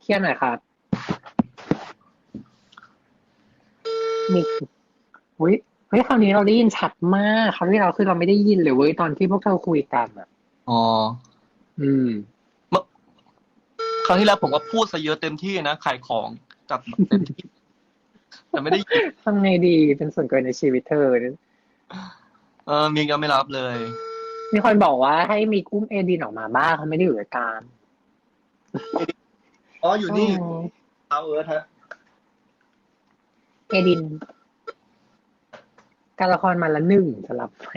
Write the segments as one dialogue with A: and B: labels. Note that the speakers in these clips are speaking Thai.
A: ลียร์หน่อยครับมีเฮ้ยเฮ้ยคราวนี้เราได้ยินชัดมากคราวที่เราคือเราไม่ได้ยินเลยเว้ยตอนที่พวกเธอคุยกันอ่ะ
B: อ๋อ
A: อืม
B: เมื่อครั้งที่แล้วผมก็พูดซะเยอะเต็มที่นะขายของจัดแบบเต็มที่แต่ไม่ได้ยิน
A: ทำไงดีเป็นส่วนเกินในชีวิตเธอ
B: มีก็ไม่รับเลย
A: มีคนบอกว่าให้มีกุ้มเอดินออกมาบ้างเขาไม่ได้อยู่ในการ
B: อ๋ออยู่
A: อื
B: นี่
A: ม
B: เอาเอิร์ธฮะ
A: เอดินการละครมาละหนึ่งสลับไป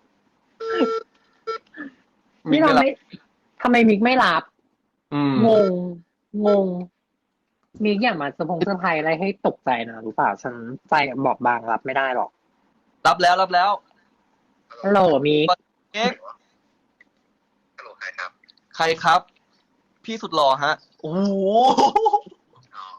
B: มิกไม่รับ
A: นี่เราไม่ทำไมมิกไม่รับ
B: อืม
A: งงงงมิกอย่ามาเซอร์ไพรส์อะไรให้ตกใจนะรู้เปล่าฉันใจบอบบางรับไม่ได้หรอก
B: รับแล้วรับแล้ว
A: ฮัลโหลมิก
B: เอ็ก
C: ฮัลโหลใครครับ
B: ใครครับพี่สุดหล่อฮะโอ้โห
C: อ๋อ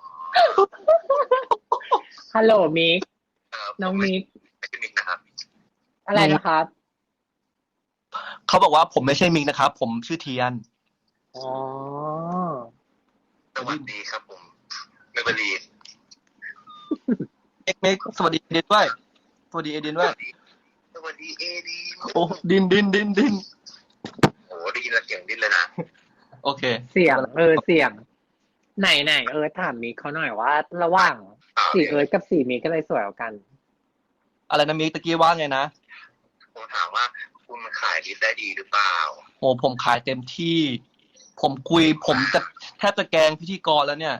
A: ฮัลโหลมิก
C: ผมไม่
A: น้องมิก
C: ไม่ใช่มิกนะครับ
A: อะไรนะครับ
B: เขาบอกว่าผมไม่ใช่มิกนะครับผมชื่อเทียน
A: อ๋อ
C: สวัสดีครับผมเมเบลีน
B: เมกสวัสดีเอเดนด้วยสวัสดีเอเดนด้วย
C: สวัสดีเอดี
B: โอ้ดิน
C: โอ้ได้ยินแล้วเสียงดิ้นเลยนะ
B: โอเค
A: เสียงเสียงไหนถามมิกเขาหน่อยว่าระหว่างสี่กับสี่มิกก็เลยสวยกว่ากัน
B: อะไรนะมิกตะกี้ว่าไงนะ
C: ผมถามว่าคุณขายลิสต์ได้ดีหรือเปล่า
B: โอ้ผมขายเต็มที่ผมคุยผมจะแทบจะแกล้งพิธีกรแล้วเนี่ย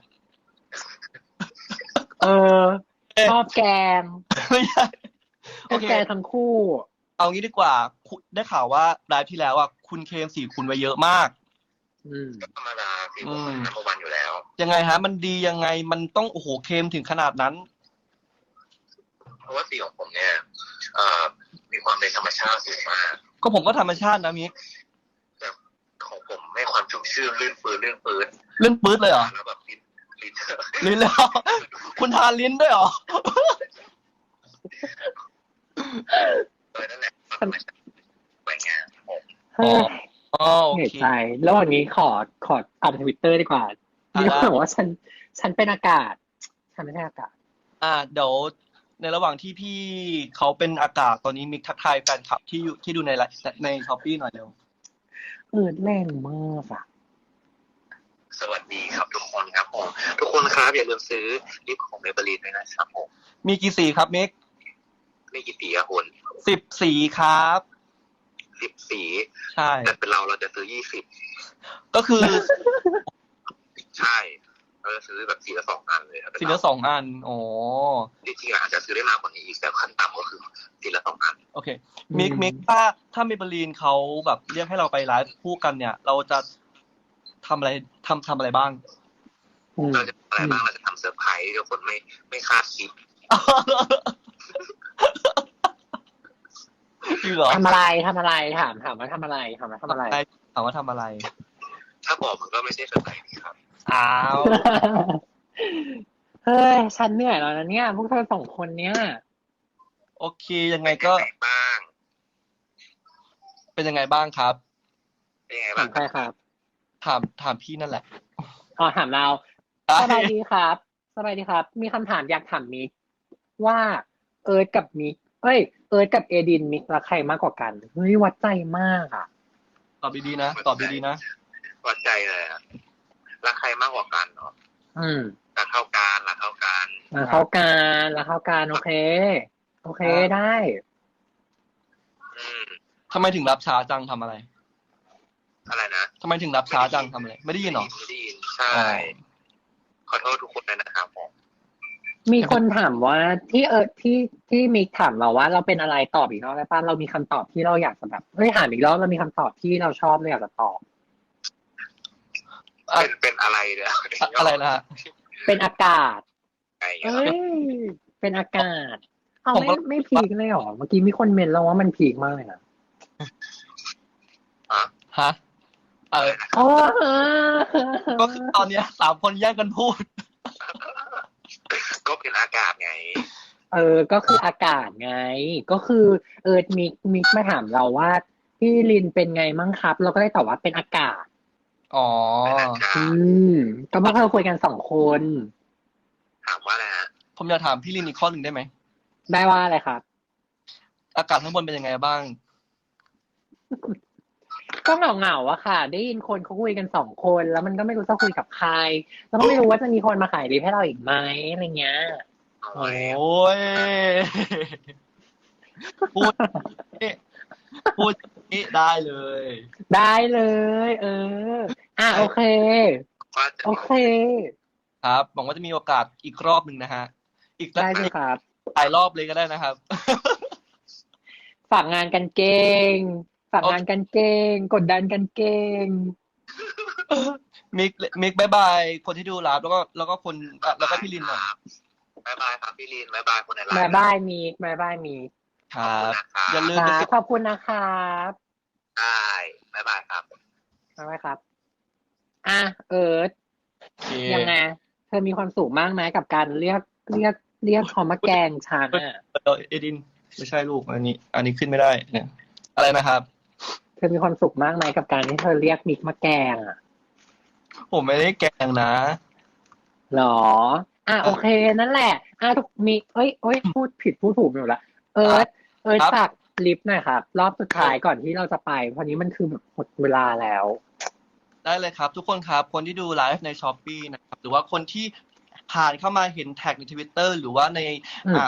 A: เออชอบแกง
B: ไม่ใช่
A: ชอบ
B: โอเค
A: แกงทั้งคู่
B: เอางี้ดีกว่าได้ข่าวว่าไลฟ์ที่แล้วอ่ะคุณเคมสี่คุณไว้เยอะมาก
A: อืม
C: ก็ธรรมดาสิผมมันนัมเบอร์วันอยู่แล้ว
B: ยังไงฮะมันดียังไงมันต้องโอ้โหเคมถึงขนาดนั้น
C: เพราะว่าสีของผมเนี่ยเอ่อมีความเป็นธรรมชาติสูงมาก
B: ก็ผมก็ธรรมชาตินะมิก
C: แต่ของผมให้ความชุ่มชื่นลื่นปืนลื่นปืน
B: เล่นปื๊ดเลยเหรอ
C: แล้วแบบลิ้น
B: ลิ้นแล้ว คุณทานลิ้นด้วยเหรอ
C: นั่นแหละธรรมชาติสวยงามผม
A: เฮ้ย
B: อ๋อโอ
A: เหนื่อย
B: เค
A: ใจแล้ววันนี้ขออ่านทวิตเตอร์ดีกว่ามีคนบอกว่าฉันเป็นอากาศฉันไม่ใช่อากาศ
B: เดี๋ยวในระหว่างที่พี่เขาเป็นอากาศตอนนี้มิกทักทายแฟนคลับที่ดูในช้อปปี้หน่อยเร็ว
A: แรงมากอ่ะ
C: สวัสดีครับทุกคนครับผมทุกคนครับอย่าลืมซื้อลิปของเมเบลีนด้วยนะครับผม
B: มีกี่สีครับมิก
C: ไม่กี่สีอะคุณ
B: 10 สีครับ
C: 10 สี
B: ใช่
C: แต่เป็นเราจะซื้อ20
B: ก็คือ
C: ใช่เราจะซื้อแบบสีละ2 อันเลย
B: สีละ2 อันอ๋อ
C: จริงๆอาจจะซื้อได้มากกว่านี้อีกแต่ขั้นต่ำก็คือสีละ2 อัน
B: โอเคมิกถ้าเมเบลีนเขาแบบเรียกให้เราไปไลฟ์คู่กันเนี่ย เราจะทำอะไรทำอะไรบ้าง
C: เราจะอะไรบ้างเราจะทำเซอร์ไพรส์ทุกคนไม่คาดคิด
B: จริงเหรอ
A: ทำอะไรถามว่าทำอะไรถามว่าทำอะไร
B: ถามว่าทำอะไร
C: ถ้าบอกมันก็ไม่ใช่เซอร์ไพรส์ครับ
B: อ้าว
A: เฮ้ยฉันเหนื่อยแล้วนะเนี่ยพวกเธอ2 คนเนี่ย
B: โอเคยังไงก็
C: บ้าง
B: เป็นยังไงบ้างครับ
C: เป็นยังไง
A: ถา
C: บ้าง
A: มใครครับ
B: ถามพี่นั่นแหละ
A: อ๋อถามเราสบายดีครับสบายดีครับมีคำถามอยากถามมิกว่าเอิร์ธกับมิกเอิร์ธกับเอดินมิกรักใครมากกว่ากันเฮ้ยวัดใจมากอ่ะ
B: ตอบดีๆนะตอบดีๆนะ
C: วัดใจเลยอะรักใครมากกว่ากันเนาะรักเท่ากันรักเท่ากัน
A: รักเท่ากันรักเท่ากันโอเคได้
B: ทำไมถึงรับช้าจังทำอะไร
C: อะไรนะ
B: ทำไมถึงรับช้าจังทำอะไรไม่ได้ยินหรอ
C: ไม่ได้ยินใช่ขอโทษทุกคนเลยนะครับผม
A: มีคนถามว่าที่มิกถามเราว่าเราเป็นอะไรตอบอีกรอบได้ป่ะเรามีคำตอบที่เราอยากจะแบบถามอีกรอบเรามีคำตอบที่เราชอบเราอยากจะตอบ
C: เป็นอะไรเนี่ย
B: อะไรนะ
A: เป็นอากาศเป็นอากาศเอาไม่พีคเลยหรอเมื่อกี้มีคนเมนเราว่ามันพีคมากเลยนะ
B: ฮะก็คือตอนนี้3 คนแย่งกันพูด
C: ก็เป็นอากาศไง
A: ก็คืออากาศไงก็คือมิกมาถามเราว่าพี่ลินเป็นไงมั่งครับเราก็ได้ตอบว่าเป็นอากาศ
B: อ๋อ
C: นะครั
A: อื
C: บ
A: ม ก็เมื่อเราคุยกัน2 คน
C: ถามว่าอะไรฮะ
B: ผมอยากถามพี่ลินอีกข้อหนึ่งได้ไหม
A: ได้ว่าอะไรครับ
B: อากาศข้างบนเป็นยังไงบ้าง
A: ก็เหงาๆอะค่ะ ได้ยินคนเขาคุยกัน2 คน แล้วมันก็ไม่รู้จะคุยกับใคร แล้วก็ไม่รู้ว่าจะมีคนมาขายลิฟต์ให้เราอีกไหมอะไรเงี้ย
C: โอ้ย
B: โอ้ย พูดพูดนี้ได้เลย
A: ได้เลย โอเค
C: ก็จะ
A: โอเค
B: ครับหวังว่าจะมีโอกาสอีกรอบหนึ่งนะฮะ อีกสัก
A: ได้เลยครับ
B: หลายรอบเลยก็ได้นะครับ
A: ฝากงานกันเก่ง ฝากงานกันเก่ง กดดันกันเก่ง
B: มิกบายบายคนที่ดูไลฟ์แล้วก็คนแล้วก็พี่ลินหน่อย
C: บายบายครับพี่ลินบายบายคนในไลน์
A: บายบายมีกบายบายมีก
B: ครับ
C: ขอบคุณนะครับ
B: อย่าลืม
A: ค
B: ไป
A: รับ
B: ติด
A: ขอบคุณนะครับ
C: ได้บายบายครับ
A: บายบายครับ เอิร์ธ
B: โอเค
A: ยังไง เธอมีความสุขมากไหมกับการเรียกเขามาแกล้งฉันอ่ะ
B: เอดินไม่ใช่ลูกอันนี้ขึ้นไม่ได้เนี่ยอะไรนะครับ
A: เธอมีความสุขมากไหมกับการที่เธอเรียกมิกมาแกล้งอ่ะ
B: ผมไม่ได้แกล้งนะ
A: หรอ โอเค นั่นแหละ ทุกมิกพูดผิดพูดถูกอยู่ละเอิร์ธ
B: ครับ
A: ฝากลิฟต์หน่อยครับ รอบสุดท้ายก่อนที่เราจะไปเพราะนี้มันคือแบบหมดเวลาแล้ว
B: ได้เลยครับ ทุกคนครับ คนที่ดูไลฟ์ใน Shopee นะครับ หรือว่าคนที่ผ่านเข้ามาเห็นแท็กใน Twitter หรือว่าใน
A: อืม